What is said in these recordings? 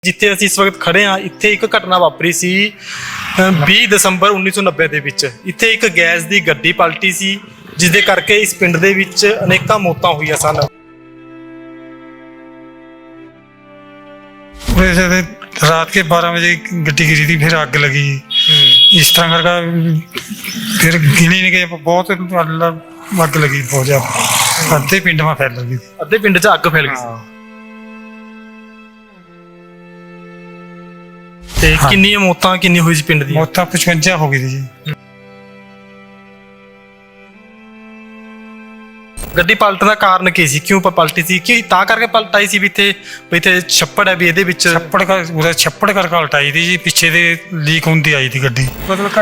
ਜਿੱਥੇ ਅਸੀਂ ਇਸ ਵਕਤ ਖੜੇ ਹਾਂ ਇੱਥੇ ਇੱਕ ਘਟਨਾ ਵਾਪਰੀ ਸੀ 20 ਦਸੰਬਰ 1990 ਦੇ ਵਿੱਚ। ਇੱਥੇ ਇੱਕ ਗੈਸ ਦੀ ਗੱਡੀ ਪਲਟੀ ਸੀ ਜਿਸ ਦੇ ਕਰਕੇ ਇਸ ਪਿੰਡ ਦੇ ਵਿੱਚ ਅਨੇਕਾਂ ਮੌਤਾਂ ਹੋਈਆਂ ਸਨ। रात के 12 बजे गड्डी गिरी थी, फिर आग लगी। इस तरह करके फिर गिनी नहीं गए, बहुत आग लगी, बहुत ज्यादा अद्धे पिंड में फैल गई। ਅੱਧੇ ਪਿੰਡ 'ਚ ਅੱਗ ਫੈਲ ਗਈ ਸੀ। ਤੇ ਕਿੰਨੀਆਂ ਮੌਤਾਂ ਕਿੰਨੀ ਹੋਈ ਸੀ ਪਿੰਡ ਦੀ? मौत 55 हो गई थी जी। ਗੱਡੀ ਪਲਟਣ ਦਾ ਕਾਰਨ ਕੀ ਸੀ? ਕਿਉਂ ਪਲਟੀ ਸੀ? ਕਿ ਤਾਂ ਕਰਕੇ ਪਲਟਾਈ ਸੀ ਵੀ ਇੱਥੇ ਛੱਪੜ ਹੈ, ਵੀ ਇਹਦੇ ਵਿੱਚ छप्पड़ करके उल्टाई थी जी। पिछे दे लीक होंदी आई थी गड्डी, मतलब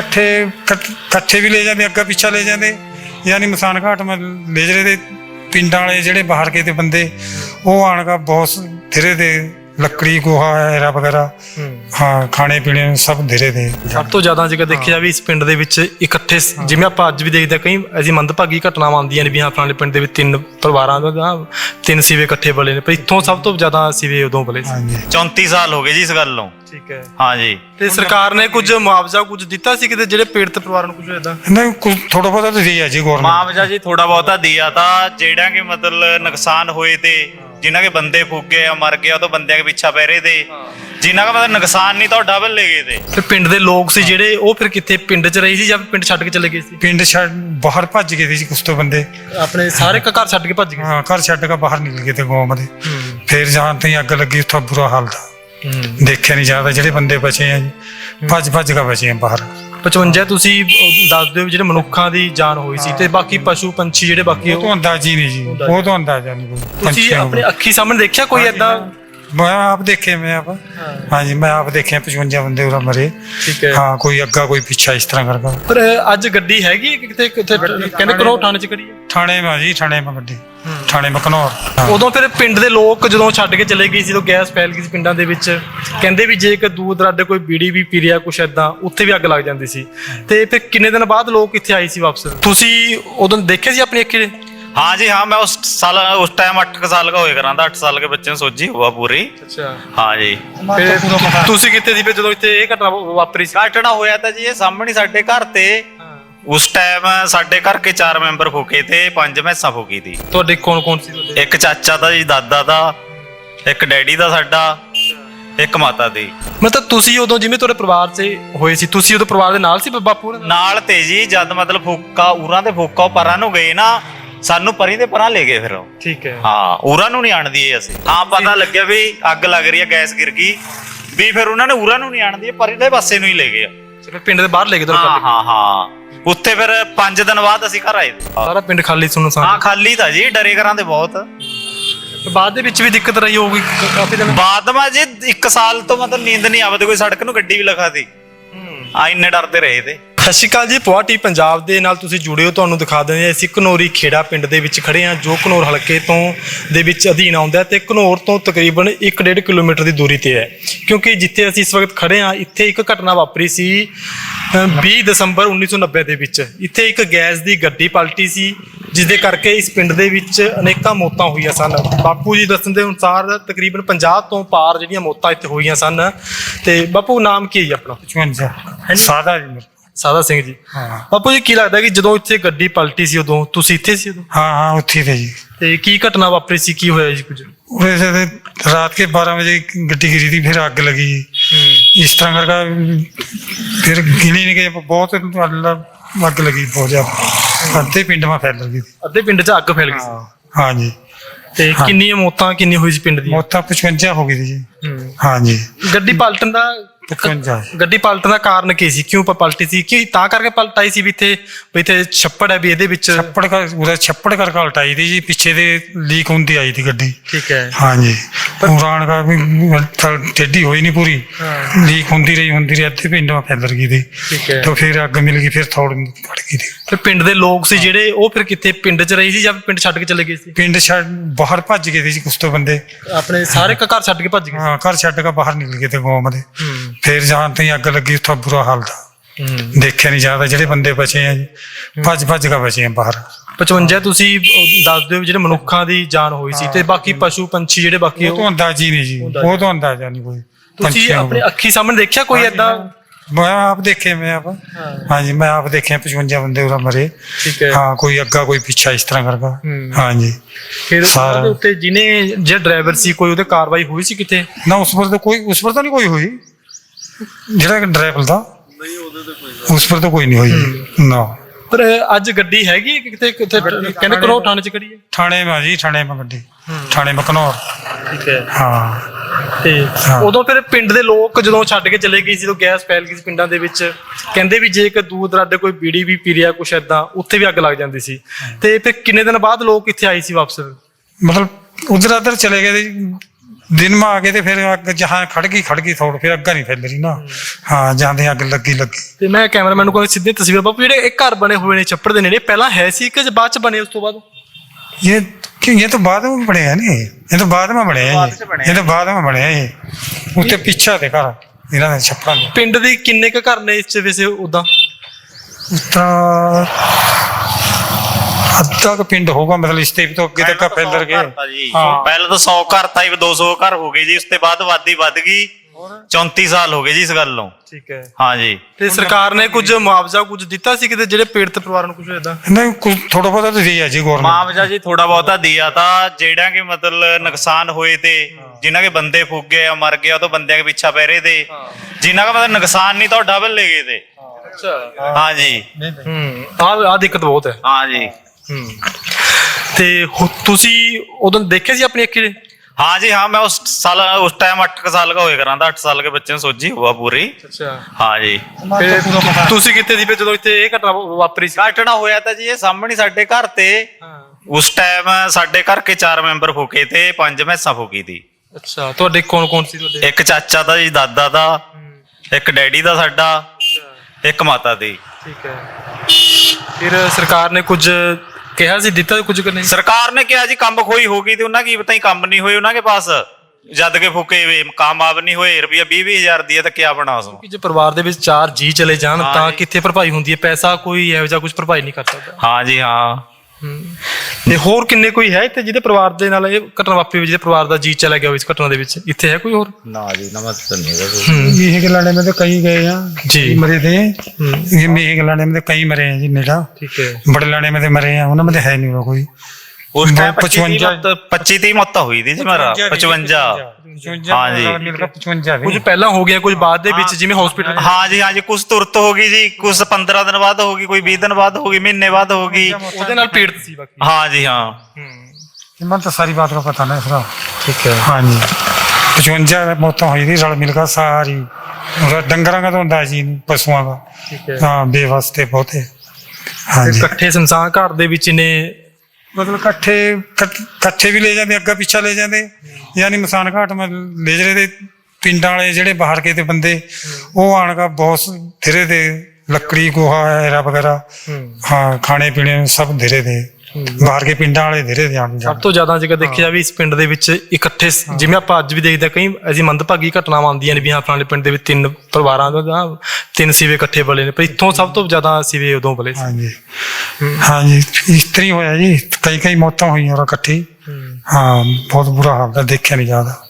कट्ठे भी ले जाते, अग्गा पिछा ले जाते, यानी मसान घाट में ले जा रहे थे। पिंडां वाले ਜਿਹੜੇ ਬਾਹਰ ਕੇ ਤੇ ਬੰਦੇ ਉਹ ਆਣ का बहुत धीरे दे ਲੱਕੜੀ ਗੋਹਾ ਐਰਾ ਵਗੈਰਾ ਹਾਂ ਖਾਣੇ ਪੀਣੇ ਸਭ ਧੀਰੇ ਦੇ। ਸਭ ਤੋਂ ਜ਼ਿਆਦਾ ਜੇਕਰ ਦੇਖਿਆ ਜਾਵੇ ਇਸ ਪਿੰਡ ਦੇ ਵਿੱਚ ਇਕੱਠੇ, ਜਿਵੇਂ ਆਪਾਂ ਅੱਜ ਵੀ ਦੇਖਦੇ ਕਈ ਐਸੀ ਮੰਦਭਾਗੀ ਘਟਨਾਵਾਂ ਆਉਂਦੀਆਂ ਨੇ ਵੀ ਹਾਂ ਫਲਾਣੇ ਪਿੰਡ ਦੇ ਵਿੱਚ 3 ਪਰਿਵਾਰਾਂ ਦਾ 3 ਸੀਵੇ ਇਕੱਠੇ ਬਲੇ ਨੇ, ਪਰ ਇੱਥੋਂ ਸਭ ਤੋਂ ਜ਼ਿਆਦਾ ਸੀਵੇ ਉਦੋਂ ਬਲੇ ਸੀ। 34 ਸਾਲ ਹੋ ਗਏ ਜੀ ਇਸ ਗੱਲ ਨੂੰ। ਠੀਕ ਹੈ। ਹਾਂ ਜੀ। ਤੇ ਸਰਕਾਰ ਨੇ ਕੁਝ ਮੁਆਵਜ਼ਾ ਕੁਝ ਦਿੱਤਾ ਸੀ ਕਿਤੇ ਜਿਹੜੇ ਪੀੜਤ ਪਰਿਵਾਰਾਂ ਨੂੰ ਕੁਝ ਇਦਾਂ? ਨਹੀਂ, ਕੁਝ ਥੋੜਾ ਬਹੁਤਾ ਤਾਂ ਦਿਆ ਜੀ ਗੌਰਮੈਂਟ। ਮੁਆਵਜ਼ਾ ਜੀ ਥੋੜਾ ਬਹੁਤਾ ਦਿਆ ਤਾਂ ਜਿਹੜਾ ਕਿ ਮਤਲਬ ਨੁਕਸਾਨ ਹੋਏ ਤੇ ਜਿਨ੍ਹਾਂ ਕੇ ਬੰਦੇ ਫੂਕੇ ਆ ਮਰ ਗਏ, ਉਹ ਤੋਂ ਬੰਦਿਆਂ ਕੇ ਪਿੱਛਾ ਪੈ ਰਹੇ ਤੇ ਜਿਨ੍ਹਾਂ ਦਾ ਮਤਲਬ ਨੁਕਸਾਨ ਨਹੀਂ ਤਾਂ ਡਬਲ ਲੈ ਗਏ ਤੇ। ਫਿਰ ਪਿੰਡ ਦੇ ਲੋਕ ਸੀ ਜਿਹੜੇ ਉਹ ਫਿਰ ਕਿੱਥੇ ਪਿੰਡ 'ਚ ਰਹੇ ਸੀ ਜਾਂ ਪਿੰਡ ਛੱਡ ਕੇ ਚਲੇ ਗਏ ਸੀ? ਪਿੰਡ ਛੱਡ ਬਾਹਰ ਭੱਜ ਗਏ ਸੀ ਕੁਛ ਤੋਂ ਬੰਦੇ, ਆਪਣੇ ਸਾਰੇ ਘਰ ਛੱਡ ਕੇ ਭੱਜ ਗਏ। ਹਾਂ, ਘਰ ਛੱਡ ਕੇ ਬਾਹਰ ਨਿਕਲ ਗਏ ਤੇ ਗਾਂਵ ਦੇ। ਫਿਰ ਜਾਣ ਤੇ ਅੱਗ ਲੱਗੀ, ਉੱਥੋਂ ਬੁਰਾ ਹਾਲ ਦਾ ਦੇਖਿਆ ਨਹੀਂ ਜਾਂਦਾ। ਜਿਹੜੇ ਬੰਦੇ ਬਚੇ ਆ ਜੀ ਭੱਜ ਕੇ ਬਚੇ ਆ ਬਾਹਰ। 55 ਤੁਸੀਂ ਦੱਸ ਦਿਓ ਜਿਹੜੇ ਮਨੁੱਖਾਂ ਦੀ ਜਾਨ ਹੋਈ ਸੀ ਤੇ ਬਾਕੀ ਪਸ਼ੂ ਪੰਛੀ ਜਿਹੜੇ ਬਾਕੀ ਉਹ ਤੋਂ ਅੰਦਾਜ਼ੀ ਨਹੀਂ ਜੀ, ਉਹ ਤੋਂ ਅੰਦਾਜ਼ਾ ਨਹੀਂ ਕੋਈ। ਤੁਸੀਂ ਆਪਣੇ ਅੱਖੀ ਸਾਹਮਣੇ ਦੇਖਿਆ ਕੋਈ ਏਦਾਂ? ਮੈਂ ਆਪ ਦੇਖੇ, हाँ जी, मैं आप देखे 55 बंदे उरा मरे। ठीक है। हाँ, कोई अग्गा कोई पीछा इस तरह करके। पर ਅੱਜ ਗੱਡੀ ਹੈਗੀ ਕਿਤੇ ਕਹਿੰਦੇ ਕਰੋ ਥਾਣੇ 'ਚ ਖੜੀ ਹੈ? थाने में जी, थाने में गड्डी, थाने में घनौर। ਉਦੋਂ ਫਿਰ ਪਿੰਡ ਦੇ ਲੋਕ ਜਦੋਂ ਛੱਡ ਕੇ ਚਲੇ ਗਏ ਸੀ ਤਾਂ ਗੈਸ ਫੈਲ ਗਈ ਸੀ ਪਿੰਡਾਂ ਦੇ ਵਿੱਚ। ਕਹਿੰਦੇ ਵੀ ਜੇ ਕਿ ਦੂਰ ਦਰਾਡੇ ਕੋਈ ਬੀੜੀ ਵੀ ਪੀ ਰਿਹਾ ਕੁਛ ਏਦਾਂ, ਉੱਥੇ ਵੀ ਅੱਗ ਲੱਗ ਜਾਂਦੀ ਸੀ। ਤੇ ਫਿਰ ਕਿੰਨੇ ਦਿਨ ਬਾਅਦ ਲੋਕ ਇੱਥੇ ਆਏ ਸੀ ਵਾਪਸ? ਤੁਸੀਂ ਉਦੋਂ ਦੇਖੇ ਸੀ ਆਪਣੀ ਅੱਖੀਂ? हाँ जी। हाँ, मैं उस टाइम 8 साल का होए करा था। 8 साल के बच्चे सोची हुआ पूरी। ਅੱਛਾ। हाँ जी। ਤੁਸੀਂ ਕਿੱਥੇ ਸੀ ਫਿਰ ਜਦੋਂ ਇੱਥੇ ਇਹ ਘਟਨਾ ਵਾਪਰੀ ਸੀ? ਘਟਨਾ ਹੋਇਆ ਤਾਂ ਜੀ ਇਹ ਸਾਹਮਣੇ ਸਾਡੇ ਘਰ ਤੇ। ਉਸ ਟਾਈਮ ਸਾਡੇ ਘਰ ਕੇ 4 ਮੈਂਬਰ ਫੂਕੇ ਤੇ 5 ਮੈਸਾਂ ਫੂਕੀ ਤੀ। ਤੁਹਾਡੇ ਕੌਣ ਕੌਣ ਸੀ ਤੁਹਾਡੇ? ਇੱਕ ਚਾਚਾ ਦਾ ਜੀ, ਦਾਦਾ ਦਾ, ਇੱਕ ਡੈਡੀ ਦਾ ਸਾਡਾ, ਇੱਕ ਮਾਤਾ ਦੀ। ਮਤਲਬ ਤੁਸੀਂ ਉਦੋਂ ਜਿਵੇਂ ਤੁਹਾਡੇ ਪਰਿਵਾਰ 'ਚ ਹੋਏ ਸੀ, ਤੁਸੀਂ ਉਦੋਂ ਪਰਿਵਾਰ ਦੇ ਨਾਲ ਸੀ ਬਾਪੂ ਹੋਰਾਂ ਦੇ? ਨਾਲ ਤੇ ਜੀ ਜਦ ਮਤਲਬ ਫੂਕਾ ਉਰਾਂ ਦੇ ਫੂਕਾ ਪਰਾਂ ਨੂੰ ਗਏ ਨਾ, ਸਾਨੂੰ ਪਰੀ ਦੇ ਪਰਾਂ ਲੈ ਗਏ ਫਿਰ ਉਹ। ਠੀਕ ਹੈ। ਹਾਂ, ਉਰਾਂ ਨੂੰ ਨਹੀਂ ਆਣਦੀ ਅਸੀਂ। ਹਾਂ, ਪਤਾ ਲੱਗਿਆ ਵੀ ਅੱਗ ਲੱਗ ਰਹੀ ਹੈ, ਗੈਸ ਗਿਰ ਗਈ ਵੀ, ਫਿਰ ਉਹਨਾਂ ਨੇ ਉਰਾਂ ਨੂੰ ਨਹੀਂ ਆਣਦੀ, ਪਰੀ ਦੇ ਪਾਸੇ ਨੂੰ ਹੀ ਲੈ ਗਏ। ਫਿਰ ਪਿੰਡ ਦੇ ਬਾਹਰ ਲੈ ਗਏ ਤੁਹਾਨੂੰ? ਹਾਂ। ਉੱਥੇ ਫਿਰ 5 ਦਿਨ ਬਾਅਦ ਅਸੀਂ ਘਰ ਆਏ। ਸਾਰਾ ਪਿੰਡ ਖਾਲੀ ਸੁਣਨ ਸਾਂ? ਹਾਂ, ਖਾਲੀ ਤਾਂ ਜੀ, ਡਰੇ ਘਰਾਂ ਦੇ ਬਹੁਤ। ਬਾਅਦ ਦੇ ਵਿੱਚ ਵੀ ਦਿੱਕਤ ਰਹੀ ਹੋਊਗੀ ਕਾਫੀ ਦਿਨ? ਬਾਅਦ ਮਾ ਜੀ 1 ਸਾਲ ਤੋਂ ਮਤਲਬ ਨੀਂਦ ਨਹੀਂ ਆਵਦੀ, ਕੋਈ ਸੜਕ ਨੂੰ ਗੱਡੀ ਵੀ ਲਖਾਤੀ। ਇੰਨੇ ਡਰਦੇ ਰਹੇ ਤੇ। ਸਤਿ ਸ਼੍ਰੀ ਅਕਾਲ ਜੀ, ਪੁਆਟੀ ਪੰਜਾਬ ਦੇ ਨਾਲ ਤੁਸੀਂ ਜੁੜੇ ਹੋ। ਤੁਹਾਨੂੰ ਦਿਖਾ ਦਿੰਦੇ ਹਾਂ, ਅਸੀਂ ਘਨੌਰੀ ਖੇੜਾ ਪਿੰਡ ਦੇ ਵਿੱਚ ਖੜੇ ਹਾਂ ਜੋ ਘਨੌਰ ਹਲਕੇ ਤੋਂ ਦੇ ਵਿੱਚ ਅਧੀਨ ਆਉਂਦਾ ਤੇ ਘਨੌਰ ਤੋਂ ਤਕਰੀਬਨ 1.5 ਕਿਲੋਮੀਟਰ ਦੀ ਦੂਰੀ ਤੇ ਹੈ। ਕਿਉਂਕਿ ਜਿੱਥੇ ਅਸੀਂ ਇਸ ਵਕਤ ਖੜੇ ਹਾਂ ਇੱਥੇ ਇੱਕ ਘਟਨਾ ਵਾਪਰੀ ਸੀ 20 ਦਸੰਬਰ 1990 ਦੇ ਵਿੱਚ। ਇੱਥੇ ਇੱਕ ਗੈਸ ਦੀ ਗੱਡੀ ਪਲਟੀ ਸੀ ਜਿਸ ਦੇ ਕਰਕੇ ਇਸ ਪਿੰਡ ਦੇ ਵਿੱਚ ਅਨੇਕਾਂ ਮੌਤਾਂ ਹੋਈਆਂ ਸਨ। ਬਾਪੂ ਜੀ ਦੱਸਣ ਦੇ ਅਨੁਸਾਰ ਤਕਰੀਬਨ 50 ਤੋਂ ਪਾਰ ਜਿਹੜੀਆਂ ਮੌਤਾਂ ਇੱਥੇ ਹੋਈਆਂ ਸਨ। ਤੇ ਬਾਪੂ ਨਾਮ ਕੀ ਹੈ ਜੀ ਆਪਣਾ? 55 ਸਾਦਾ ਜੀ। ਸਾਦਾ ਸਿੰਘ ਜੀ। ਹਾਂ। ਬਾਪੂ ਜੀ ਕੀ ਲੱਗਦਾ ਕਿ ਜਦੋਂ ਇੱਥੇ ਗੱਡੀ ਪਲਟੀ ਸੀ ਉਦੋਂ ਤੁਸੀਂ ਇੱਥੇ ਸੀ ਉਦੋਂ? हाँ, ਉੱਥੇ थे जी। ਤੇ ਕੀ ਘਟਨਾ ਵਾਪਰੀ ਸੀ, ਕੀ ਹੋਇਆ ਜੀ ਕੁਝ? रात के 12 बजे गड्डी गिरी थी, फिर आग लगी। इस तरह करके फिर गिनी नहीं गए, बहुत आग लगी, बहुत ज्यादा अद्धे पिंड में फैल गई। ਅੱਧੇ ਪਿੰਡ 'ਚ ਅੱਗ ਫੈਲ ਗਈ ਸੀ। हाँ जी। ਤੇ ਕਿੰਨੀਆਂ ਮੌਤਾਂ ਕਿੰਨੀ ਹੋਈ ਸੀ ਪਿੰਡ ਦੀ? मौत 55 हो गई थी जी। हाँ जी। ਗੱਡੀ ਪਲਟਣ ਦਾ 55। ਗੱਡੀ ਪਲਟਣ ਦਾ ਕਾਰਨ ਕੀ ਸੀ? ਕਿਉਂ ਪਲਟੀ ਸੀ? ਕਿ ਤਾਂ ਕਰਕੇ ਪਲਟਾਈ ਸੀ ਵੀ ਇੱਥੇ ਛੱਪੜ ਹੈ, ਵੀ ਇਹਦੇ ਵਿੱਚ छप्पड़ करके उल्टाई थी जी। पीछे दे लीक होंदी आई थी गड्डी। ठीक है। हाँ जी। उड़ान का भी टेढ़ी हुई नहीं पूरी, लीक होंदी रही अद्धे पिंड में फैल गई थी। ठीक है। तो फिर अग मिल गई, फिर थोड़ी बढ़ गई थी। ਫਿਰ ਪਿੰਡ ਦੇ ਲੋਕ ਸੀ ਜਿਹੜੇ ਉਹ ਫਿਰ ਕਿੱਥੇ ਪਿੰਡ 'ਚ ਰਹੇ ਸੀ ਜਾਂ ਪਿੰਡ ਛੱਡ ਕੇ ਚਲੇ ਗਏ ਸੀ? पिंड छड़ बाहर भज गए थे जी कुछ तो बंदे। ਆਪਣੇ ਸਾਰੇ ਘਰ ਛੱਡ ਕੇ ਭੱਜ ਗਏ? हाँ, घर छड़ के बाहर निकल गए थे गांव में। फिर जान ते अग लगी, उत्थों बुरा हाल था देखिया नहीं जाता। ਜਿਹੜੇ ਬੰਦੇ ਬਚੇ ਆ ਜੀ ਭੱਜ ਕੇ ਬਚੇ ਆ ਬਾਹਰ। 55 ਤੁਸੀਂ ਦੱਸ ਦਿਓ ਜਿਹੜੇ ਮਨੁੱਖਾਂ ਦੀ ਜਾਨ ਹੋਈ ਸੀ ਤੇ ਬਾਕੀ ਪਸ਼ੂ ਪੰਛੀ ਜਿਹੜੇ ਬਾਕੀ ਉਹ ਤੋਂ ਅੰਦਾਜ਼ੀ ਨਹੀਂ ਜੀ, ਉਹ ਤੋਂ ਅੰਦਾਜ਼ਾ ਨਹੀਂ ਕੋਈ। ਤੁਸੀਂ ਆਪਣੇ ਅੱਖੀ ਸਾਹਮਣੇ ਦੇਖਿਆ ਕੋਈ ਏਦਾਂ? ਮੈਂ ਆਪ ਦੇਖੇ, ਹਾਂਜੀ ਮੈਂ ਆਪ ਦੇਖਿਆ 55 ਬੰਦੇ ਉਰਾ ਮਰੇ। ਠੀਕ ਹੈ। ਹਾਂ, ਕੋਈ ਅੱਗਾ ਕੋਈ ਪਿੱਛਾ ਇਸ ਤਰ੍ਹਾਂ ਕਰਦਾ। ਹਾਂਜੀ। ਫਿਰ ਸਾਰਾ ਉਹਦੇ ਉੱਤੇ ਜਿਹੜਾ ਡਰਾਈਵਰ ਸੀ ਕੋਈ ਉਹਦੇ ਕਾਰਵਾਈ ਹੋਈ ਸੀ ਕਿਤੇ? ਨਾ ਉਸ ਪਰ ਤਾਂ ਨਹੀਂ ਕੋਈ ਹੋਈ। ਜਿਹੜਾ ਡਰਾਈਵਰ ਦਾ ਉਸ ਪਰ ਤਾਂ ਕੋਈ ਨਹੀਂ ਹੋਈ ਨਾ। ਪਰ ਅੱਜ ਗੱਡੀ ਹੈਗੀ ਕਿਤੇ ਕਿਤੇ ਕਹਿੰਦੇ ਕਰੋ ਥਾਣੇ ਚ ਖੜੀ ਹੈ? ਥਾਣੇ ਮਾ ਜੀ, ਥਾਣੇ ਮਾ ਗੱਡੀ, ਥਾਣੇ ਮਾ ਘਨੌਰ। ਠੀਕ ਹੈ। ਹਾਂ। ਤੇ ਉਦੋਂ ਫਿਰ ਪਿੰਡ ਦੇ ਲੋਕ ਜਦੋਂ ਛੱਡ ਕੇ ਚਲੇ ਗਏ ਸੀ, ਜਦੋਂ ਗੈਸ ਫੈਲ ਗਈ ਸੀ ਪਿੰਡਾਂ ਦੇ ਵਿੱਚ, ਕਹਿੰਦੇ ਵੀ ਜੇ ਇੱਕ ਦੂਰ ਦਰਾਡੇ ਕੋਈ ਬੀੜੀ ਵੀ ਪੀ ਰਿਹਾ ਕੁਛ ਏਦਾਂ, ਉੱਥੇ ਵੀ ਅੱਗ ਲੱਗ ਜਾਂਦੀ ਸੀ। ਤੇ ਫਿਰ ਕਿੰਨੇ ਦਿਨ ਬਾਅਦ ਲੋਕ ਇੱਥੇ ਆਏ ਸੀ ਵਾਪਸ? ਮਤਲਬ ਉਧਰ ਉਧਰ ਚਲੇ ਗਏ ਦਿਨ में आ गए थे, फिर अग जहाँ खड़ गई थोड़, फिर अग्गा नहीं फैल रही ना। हाँ, जाते अग लगी। ਤੇ ਮੈਂ ਕੈਮਰਾਮੈਨ ਨੂੰ ਕੋਈ ਸਿੱਧੀ ਤਸਵੀਰ ਬਾਪੂ, ਜਿਹੜੇ ਇਹ ਘਰ ਬਣੇ ਹੋਏ ਨੇ ਛੱਪੜ ਦੇ ਨੇੜੇ, ਪਹਿਲਾਂ ਹੈ ਸੀ ਕਿ ਬਾਅਦ ਚ ਬਣੇ ਉਸ ਤੋਂ ਬਾਅਦ? ये तो बाद में बने हैं नहीं, ये तो बाद में बने हैं, ये तो बाद में बने हैं। ये उत्ते पीछे थे घर इन्हां दे छप्पड़ां दे। ਪਿੰਡ ਦੇ ਕਿੰਨੇ ਕੁ ਘਰ ਨੇ ਇਸ ਚ ਵੈਸੇ ਉਦਾਂ? अद्धा का पिंड होगा, मतलब इसते भी तो अगे तक फैल गए। ਪਹਿਲਾਂ ਤਾਂ 100 ਘਰ ਤਾਂ 200 ਘਰ ਹੋ ਗਏ ਜੀ, ਉਸ ਤੋਂ ਬਾਅਦ ਆਬਾਦੀ ਵੱਧ ਗਈ। 34 ਸਾਲ ਹੋ ਗਏ ਜੀ ਇਸ ਗੱਲ ਨੂੰ। ਠੀਕ ਹੈ। ਹਾਂ ਜੀ। ਤੇ ਸਰਕਾਰ ਨੇ ਕੁਝ ਮੁਆਵਜ਼ਾ ਕੁਝ ਦਿੱਤਾ ਸੀ ਕਿਤੇ ਜਿਹੜੇ ਪੀੜਤ ਪਰਿਵਾਰਾਂ ਨੂੰ ਕੁਝ ਏਦਾਂ? नहीं, कुछ थोड़ा बहुत तो दिया जी गवर्नमेंट। ਮੁਆਵਜ਼ਾ ਜੀ ਥੋੜਾ ਬਹੁਤਾ ਦਿਆ ਤਾਂ, ਜਿਹੜਾ ਕਿ ਮਤਲਬ ਨੁਕਸਾਨ ਹੋਏ ਤੇ ਜਿਨ੍ਹਾਂ ਕੇ ਬੰਦੇ ਫੁੱਕ ਗਏ ਆ, ਮਰ ਗਏ, ਉਹ ਤੋਂ ਬੰਦਿਆਂ ਕੇ ਪਿੱਛਾ ਪੈ ਰਹੇ ਤੇ ਜਿਨ੍ਹਾਂ ਦਾ ਮਤਲਬ ਨੁਕਸਾਨ ਨਹੀਂ ਤਾਂ ਡਬਲ ਲੈ ਗਏ ਤੇ। ਅੱਛਾ। ਹਾਂ ਜੀ। ਆ ਦਿੱਕਤ ਬਹੁਤ ਹੈ। ਹਾਂ ਜੀ। ਤੇ ਤੁਸੀਂ ਉਦੋਂ ਦੇਖੇ ਸੀ ਆਪਣੀ ਅੱਖੀ? हाँ जी। हाँ, मैं उस टाइम 8 साल का होए करा था। 8 साल के बच्चे ने सोची हुआ पूरी। अच्छा। हाँ जी। ਤੁਸੀਂ ਕਿੱਥੇ ਸੀ ਜਦੋਂ ਇੱਥੇ ਇਹ ਘਟਨਾ ਵਾਪਰੀ ਸੀ? घटना होया था जी ये सामने साडे घर ते। उस टाइम साडे घर के 4 मैंबर फूके थे, 5 भैंसा फूकी थी। ਅੱਛਾ। ਤੁਹਾਡੇ ਕੌਣ ਸੀ ਤੁਹਾਡੇ? एक चाचा था जी, दादा था, एक डैडी था साडा, एक माता थी। ਠੀਕ ਹੈ। ਫਿਰ ਸਰਕਾਰ ਨੇ ਕੁਝ ਕਿਹਾ ਸੀ, ਦਿੱਤਾ ਕੁਝ ਕਿ ਨਹੀਂ? सरकार ने कहा जी कम खोई होगी तो उन्हें की पता ही कम नहीं हुए उन्होंने पास, जद के फूके वे कामयाब नहीं होए। रुपया 20,000 दिया तो क्या बना उसमें? ਕਿ ਜੇ ਪਰਿਵਾਰ ਦੇ ਵਿੱਚ 4 ਜੀ ਚਲੇ ਜਾਣ ਤਾਂ ਕਿੱਥੇ ਭਰਪਾਈ ਹੁੰਦੀ ਹੈ? ਪੈਸਾ ਕੋਈ ਇਹੋ ਜਿਹਾ ਕੁਝ ਭਰਪਾਈ ਨਹੀਂ ਕਰ ਸਕਦਾ। हाँ जी। हाँ। ਤੇ ਹੋਰ ਕਿੰਨੇ ਕੋਈ ਹੈ ਇੱਥੇ ਜਿਹਦੇ ਪਰਿਵਾਰ ਦੇ ਨਾਲ ਇਹ ਘਟਨਾ ਵਾਪਰੀ, ਜਿਹਦੇ ਪਰਿਵਾਰ ਦਾ ਜੀ ਚਲਾ ਗਿਆ ਇਸ ਘਟਨਾ ਦੇ ਵਿੱਚ? ਇੱਥੇ ਹੈ ਕੋਈ ਹੋਰ? ना जी, नमक तो नहीं है। ये गलाने में तो कई गए हैं जी। मरे थे। ये मेह गलाने में तो कई मरे हैं जी नेड़ा। ठीक है। बड़े लाने में तो मरे हैं, उनमें तो है नहीं वो कोई। उस टाइम 25 मौत हुई थी जी मेरा। 55। हाँ जी। मिलकर 55 ਕੁਝ ਪਹਿਲਾਂ ਹੋ ਗਿਆ, ਕੁਝ ਬਾਅਦ ਦੇ ਵਿੱਚ, ਜਿਵੇਂ ਹਸਪੀਟਲ? हाँ जी। हाँ जी। कुछ तुरंत होगी जी, कुछ 15 दिन बाद होगी, कोई 20 दिन बाद होगी, महीने बाद होगी। ਉਹਦੇ ਨਾਲ ਪੀੜਤ ਸੀ ਬਾਕੀ? हाँ जी। हाँ। मन तो सारी बात का पता नहीं फिर। ठीक है। हाँ जी। 55 मौत हुई थी रल मिलकर सारी। डंगरा का तो होता जी, पशुओं का। ठीक है। हाँ, बेवास्ते बहुत है। हाँ जी। ਇਕੱਠੇ ਸੰਸਾਰ ਘਰ ਦੇ ਵਿੱਚ ਨੇ मतलब कट्ठे भी ले जाते, अग्गा पिछा ले जाते, यानी मसान घाट में ले जा रहे थे। पिंडा वाले जेडे बाहर के थे बंदे, वो आने का बहुत धीरे थे, लकड़ी गोहा एरा वगैरह। हाँ, खाने पीने सब धीरे थे। ਬਾਹਰ ਕੇ ਪਿੰਡਾਂ ਵਾਲੇ ਧੀਰੇ ਧਿਆਨ ਸਭ ਤੋਂ ਜ਼ਿਆਦਾ ਜੇਕਰ ਦੇਖਿਆ ਵੀ ਇਸ ਪਿੰਡ ਦੇ ਵਿੱਚ ਇਕੱਠੇ, ਜਿਵੇਂ ਆਪਾਂ ਅੱਜ ਵੀ ਦੇਖਦੇ ਕਈ ਐਸੀ ਮੰਦਭਾਗੀ ਘਟਨਾਵਾਂ ਆਉਂਦੀਆਂ ਨੇ ਵੀ ਹਾਂ ਫਲਾਣੇ ਪਿੰਡ ਦੇ ਵਿੱਚ 3 ਪਰਿਵਾਰਾਂ ਦਾ 3 ਸੀਵੇ ਇਕੱਠੇ ਬਲੇ ਨੇ, ਪਰ ਇੱਥੋਂ ਸਭ ਤੋਂ ਜ਼ਿਆਦਾ ਸੀਵੇ ਉਦੋਂ ਬਲੇ ਸੀ। ਹਾਂਜੀ ਹਾਂਜੀ, ਇਸ ਤਰ੍ਹਾਂ ਹੀ ਹੋਇਆ ਜੀ, ਕਈ ਮੌਤਾਂ ਹੋਈਆਂ ਔਰ ਇਕੱਠੀ। ਹਾਂ, ਬਹੁਤ ਬੁਰਾ ਹਾਲ ਹੈ, ਦੇਖਿਆ ਨਹੀਂ ਜਾਂਦਾ।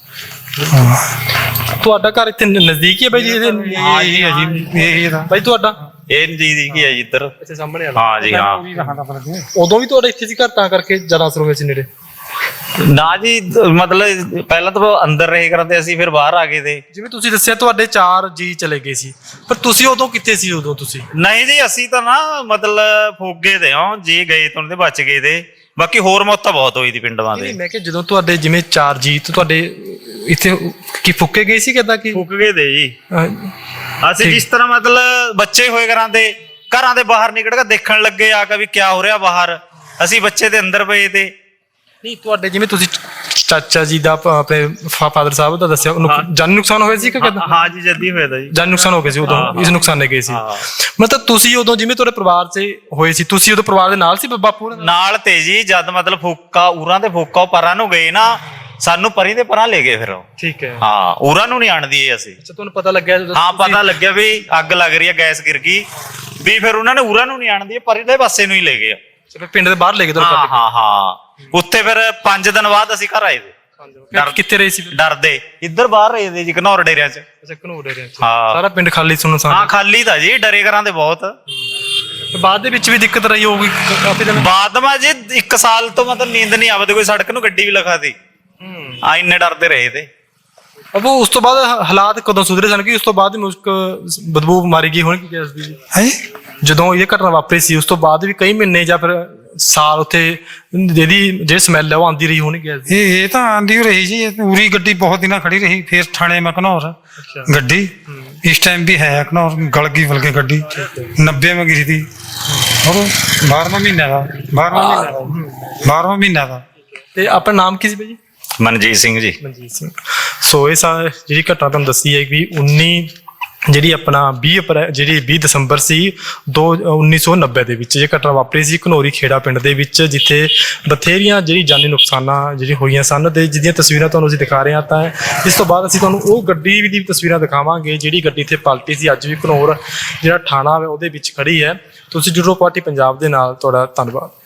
ਤੁਹਾਡਾ ਘਰ ਇੱਥੇ ਨਜ਼ਦੀਕ ਹੀ ਹੈ ਬਾਈ ਜੀ? ਹਾਂ ਜੀ, ਇਹ ਦਾ ਬਾਈ ਤੁਹਾਡਾ ਇਹ ਨਜ਼ਦੀਕ ਹੀ ਹੈ ਜੀ ਇੱਧਰ। ਅੱਛਾ, ਸਾਹਮਣੇ ਵਾਲਾ। ਹਾਂ ਜੀ ਹਾਂ। ਉਦੋਂ ਵੀ ਤੁਹਾਡਾ ਇੱਥੇ ਸੀ ਘਰ, ਤਾਂ ਕਰਕੇ ਜ਼ਿਆਦਾ ਅਸਰ ਹੋਇਆ ਸੀ ਨੇੜੇ? ਨਾ ਜੀ, ਮਤਲਬ ਪਹਿਲਾਂ ਤਾਂ ਅੰਦਰ ਰਹੇ ਕਰਦੇ ਅਸੀਂ, ਫਿਰ ਬਾਹਰ ਆ ਗਏ ਤੇ। ਜਿਵੇਂ ਤੁਸੀਂ ਦੱਸਿਆ ਤੁਹਾਡੇ 4 ਜੀ ਚਲੇ ਗਏ ਸੀ, ਪਰ ਤੁਸੀਂ ਉਦੋਂ ਕਿੱਥੇ ਸੀ? ਉਦੋਂ ਤੁਸੀਂ? ਨਹੀਂ ਜੀ, ਅਸੀਂ ਤਾਂ ਨਾ ਮਤਲਬ ਫੋਗੇ ਤੇ ਹਾਂ ਜੀ, ਗਏ ਤੋਂ ਤੇ ਬਚ ਗਏ ਤੇ, ਬਾਕੀ ਹੋਰ ਮੌਤਾਂ ਬਹੁਤ ਹੋਈ ਦੀ ਪਿੰਡਾਂ ਦੇ। ਮੈਂ ਕਿਹਾ ਜਦੋਂ ਤੁਹਾਡੇ ਜਿਵੇਂ 4 ਜੀ ਤੇ ਤੁਹਾਡੇ ਇੱਥੇ ਕੀ ਫੁੱਕੇ ਗਏ ਸੀ ਕਿਦਾਂ? ਕੀ ਫੁੱਕ ਗਏ ਤੇ ਜੀ ਅਸੀਂ, ਜਿਸ ਤਰ੍ਹਾਂ ਮਤਲਬ ਬੱਚੇ ਹੋਏ ਘਰਾਂ ਦੇ ਬਾਹਰ ਨਿਕਲ ਕੇ ਦੇਖਣ ਲੱਗੇ ਆ ਕੇ ਵੀ ਕੀ ਹੋ ਰਿਹਾ ਬਾਹਰ, ਅਸੀਂ ਬੱਚੇ ਦੇ ਅੰਦਰ ਪਏ ਤੇ। ਨਹੀਂ, ਤੁਹਾਡੇ ਜਿਵੇਂ ਤੁਸੀਂ ਚਾਚਾ ਜੀ ਦਾ ਆਪਣੇ ਫਾਦਰ ਸਾਹਿਬ ਦਾ ਦੱਸਿਆ, ਜਾਨੀ ਨੁਕਸਾਨ ਹੋਇਆ ਸੀ ਕਿ ਕਿਦਾਂ? ਹਾਂ ਜੀ, ਜੱਦੀ ਹੋਇਆ ਤਾਂ ਜੀ, ਜਾਨੀ ਨੁਕਸਾਨ ਹੋ ਗਿਆ ਸੀ ਉਦੋਂ, ਇਸ ਨੁਕਸਾਨੇ ਗਏ ਸੀ। ਮਤਲਬ ਤੁਸੀਂ ਉਦੋਂ ਜਿਵੇਂ ਤੁਹਾਡੇ ਪਰਿਵਾਰ 'ਚ ਹੋਏ ਸੀ, ਤੁਸੀਂ ਉਦੋਂ ਪਰਿਵਾਰ ਦੇ ਨਾਲ ਸੀ? ਬਾਪੂ ਨਾਲ ਤੇ ਜੀ, ਜਦ ਮਤਲਬ ਫੋਕਾ ਉਰਾਂ ਦੇ ਫੋਕਾ ਪਰਾਂ ਨੂੰ ਗਏ ਨਾ, ਸਾਨੂੰ ਪਰੀ ਦੇ ਪਰਾਂ ਲੈ ਗਏ ਫਿਰ ਉਹ। ਠੀਕ ਹੈ। ਹਾਂ, ਉਰਾਂ ਨੂੰ ਨਹੀਂ ਆਣਦੀ ਅਸੀਂ। ਅੱਛਾ, ਤੁਹਾਨੂੰ ਪਤਾ ਲੱਗਿਆ? ਹਾਂ, ਪਤਾ ਲੱਗਿਆ ਵੀ ਅੱਗ ਲੱਗ ਰਹੀ ਹੈ, ਗੈਸ ਗਿਰ ਗਈ ਵੀ, ਫਿਰ ਉਹਨਾਂ ਨੇ ਉਰਾਂ ਨੂੰ ਨਹੀਂ ਆਣਦੀ, ਪਰੀ ਦੇ ਪਾਸੇ ਨੂੰ ਹੀ ਲੈ ਗਏ। ਪਿੰਡ ਦੇ ਬਾਹਰ ਲੈ ਗਏ? ਹਾਂ ਹਾਂ ਹਾਂ। ਉੱਥੇ ਫਿਰ 5 ਦਿਨ ਬਾਅਦ ਅਸੀਂ ਘਰ ਆਏ ਤੇ। ਕਿੱਥੇ ਰਹੇ ਸੀ? ਡਰਦੇ ਇੱਧਰ ਬਾਹਰ ਰਹੇ ਦੇ ਜੀ ਘਨੌਰ ਡੇਰਿਆਂ 'ਚ। ਅੱਛਾ ਘਨੌਰ ਏਰੀਆ ਚ। ਹਾਂ। ਸਾਰਾ ਪਿੰਡ ਖਾਲੀ ਸੁੰਨਸਾਨ। ਹਾਂ ਖਾਲੀ ਤਾਂ ਜੀ, ਡਰੇ ਕਰਾਂ ਦੇ ਬਹੁਤ। ਤੇ ਬਾਅਦ ਦੇ ਵਿੱਚ ਵੀ ਦਿੱਕਤ ਰਹੀ ਹੋਊਗੀ ਕਾਫੀ ਦਿਨ। ਬਾਅਦ ਮਾ ਜੀ 1 ਸਾਲ ਤੋਂ ਮਤਲਬ ਨੀਂਦ ਨਹੀਂ ਆਵਦੀ, ਕੋਈ ਸੜਕ ਨੂੰ ਗੱਡੀ ਵੀ ਲਖਾਤੀ। ਆ ਇੰਨੇ ਡਰਦੇ ਰਹੇ ਤੇ। ਅਬੋ ਉਸ ਤੋਂ ਬਾਅਦ ਹਾਲਾਤ ਕਦੋਂ ਸੁਧਰੇ ਸਨ ਕਿ ਉਸ ਤੋਂ ਬਾਅਦ ਮੁਸ਼ਕ ਬਦਬੂ ਮਾਰੀ ਗਈ ਹੋਣੀ ਗੈਸ ਦੀ? ਹੈ ਜਦੋਂ ਇਹ ਘਟਨਾ ਵਾਪਰੀ ਸੀ ਉਸ ਤੋਂ ਬਾਅਦ ਵੀ ਕਈ ਮਹੀਨੇ ਜਾਂ ਫਿਰ ਸਾਲ ਉੱਥੇ ਜਿਹੜੀ ਸਮੈਲ ਹੈ ਉਹ ਆਉਂਦੀ ਰਹੀ ਹੋਣੀ ਗੈਸ ਦੀ? ਇਹ ਤਾਂ ਆਂਦੀ ਓ ਰਹੀ ਜੀ, ਪੂਰੀ ਗੱਡੀ ਬਹੁਤ ਦਿਨਾਂ ਖੜੀ ਰਹੀ। ਫਿਰ ਥਾਣੇ ਮੈਂ ਘਨੌਰ ਗੱਡੀ ਇਸ ਟਾਈਮ ਵੀ ਹੈ ਘਨੌਰ, ਗਲ ਗਈ ਬਲਕਿ ਗੱਡੀ 90 में गिरी थी। और 12वां महीना था, 12वां महीना था। ਤੇ ਆਪਣਾ ਨਾਮ ਕੀ ਸੀ ਭਾਈ ਜੀ? ਮਨਜੀਤ ਸਿੰਘ ਜੀ। ਮਨਜੀਤ ਸਿੰਘ। ਸੋ ਇਹ ਜਿਹੜੀ ਘਟਨਾ ਤੁਹਾਨੂੰ ਦੱਸੀ ਹੈ ਕਿ 20 ਦਸੰਬਰ ਸੀ 1990 ਦੇ ਵਿੱਚ ਇਹ ਘਟਨਾ ਵਾਪਰੀ ਸੀ ਘਨੌਰੀ ਖੇੜਾ ਪਿੰਡ ਦੇ ਵਿੱਚ, ਜਿੱਥੇ ਬਥੇਰੀਆਂ ਜਿਹੜੀ ਜਾਨੀ ਨੁਕਸਾਨਾਂ ਜਿਹੜੀ ਹੋਈਆਂ ਸਨ ਤੇ ਜਿਹਦੀਆਂ ਤਸਵੀਰਾਂ ਤੁਹਾਨੂੰ ਅਸੀਂ ਦਿਖਾ ਰਹੇ ਹਾਂ। ਤਾਂ ਇਸ ਤੋਂ ਬਾਅਦ ਅਸੀਂ ਤੁਹਾਨੂੰ ਉਹ ਗੱਡੀ ਦੀ ਤਸਵੀਰਾਂ ਦਿਖਾਵਾਂਗੇ ਜਿਹੜੀ ਗੱਡੀ ਇੱਥੇ ਪਲਟੀ ਸੀ। ਅੱਜ ਵੀ ਘਨੌਰ ਜਿਹੜਾ ਥਾਣਾ ਹੈ ਉਹਦੇ ਵਿੱਚ ਖੜੀ ਹੈ। ਤੁਸੀਂ ਜੁੜੋ ਪਾਰਟੀ ਪੰਜਾਬ ਦੇ ਨਾਲ। ਤੁਹਾਡਾ ਧੰਨਵਾਦ।